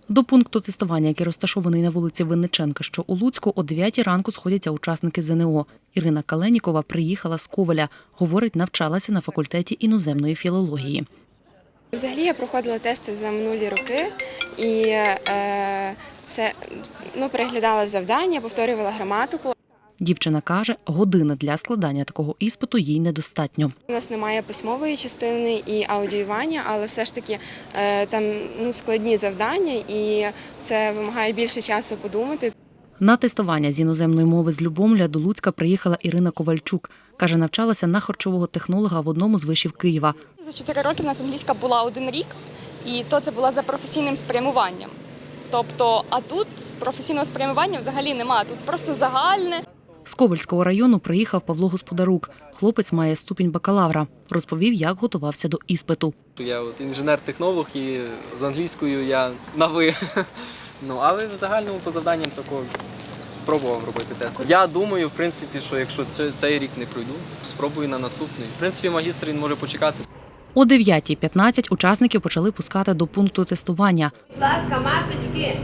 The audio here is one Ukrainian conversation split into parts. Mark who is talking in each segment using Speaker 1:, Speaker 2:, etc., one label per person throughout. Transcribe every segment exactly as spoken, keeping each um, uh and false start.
Speaker 1: До пункту тестування, який розташований на вулиці Винниченка, що у Луцьку, о дев'ятій ранку сходяться учасники ЗНО. Ірина Каленікова приїхала з Ковеля. Говорить, навчалася на факультеті іноземної філології.
Speaker 2: Взагалі я проходила тести за минулі роки і е, це, ну, переглядала завдання, повторювала граматику.
Speaker 1: Дівчина каже, години для складання такого іспиту їй недостатньо.
Speaker 2: У нас немає письмової частини і аудіювання, але все ж таки е, там ну, складні завдання і це вимагає більше часу подумати.
Speaker 1: На тестування з іноземної мови з Любомля до Луцька приїхала Ірина Ковальчук. Каже, навчалася на харчового технолога в одному з вишів Києва.
Speaker 3: За чотири роки в нас англійська була один рік, і то це була за професійним спрямуванням. Тобто, а тут професійного спрямування взагалі немає, тут просто загальне.
Speaker 1: З Ковельського району приїхав Павло Господарук. Хлопець має ступінь бакалавра. Розповів, як готувався до іспиту.
Speaker 4: Я от інженер-технолог і з англійською я на «ви». Ну, але в загальному по завданням такого пробував робити тест. Я думаю, в принципі, що якщо цей рік не пройду, спробую на наступний. В принципі, магістр він може почекати.
Speaker 1: О дев'ятій п'ятнадцять учасників почали пускати до пункту тестування.
Speaker 5: Будь ласка, масочки.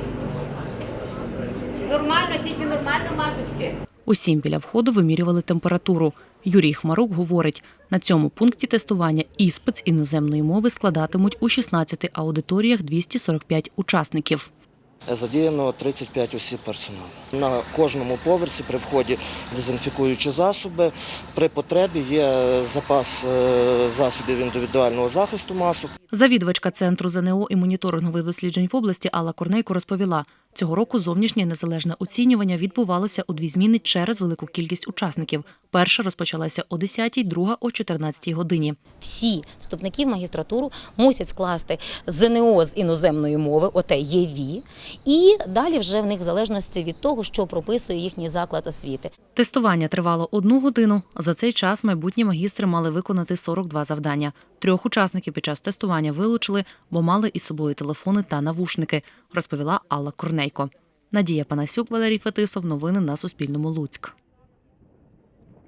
Speaker 5: Нормально, тільки нормально масочки.
Speaker 1: Усім біля входу вимірювали температуру. Юрій Хмарук говорить, на цьому пункті тестування іспит з іноземної мови складатимуть у шістнадцяти аудиторіях двісті сорок п'ять учасників.
Speaker 6: Задіяно тридцять п'ять осіб персоналу. На кожному поверсі при вході дезінфікуючі засоби. При потребі є запас засобів індивідуального захисту масок.
Speaker 1: Завідувачка Центру ЗНО і моніторингових досліджень в області Алла Корнейко розповіла, цього року зовнішнє незалежне оцінювання відбувалося у дві зміни через велику кількість учасників. Перша розпочалася о десятій, друга – о чотирнадцятій годині.
Speaker 7: Всі вступники в магістратуру мусять скласти ЗНО з іноземної мови, оте ЄВІ, і далі вже в них в залежності від того, що прописує їхній заклад освіти.
Speaker 1: Тестування тривало одну годину. За цей час майбутні магістри мали виконати сорок два завдання. Трьох учасників під час тестування вилучили, бо мали із собою телефони та навушники, розповіла Алла Корнейко. Надія Панасюк, Валерій Фетисов. Новини на Суспільному. Луцьк.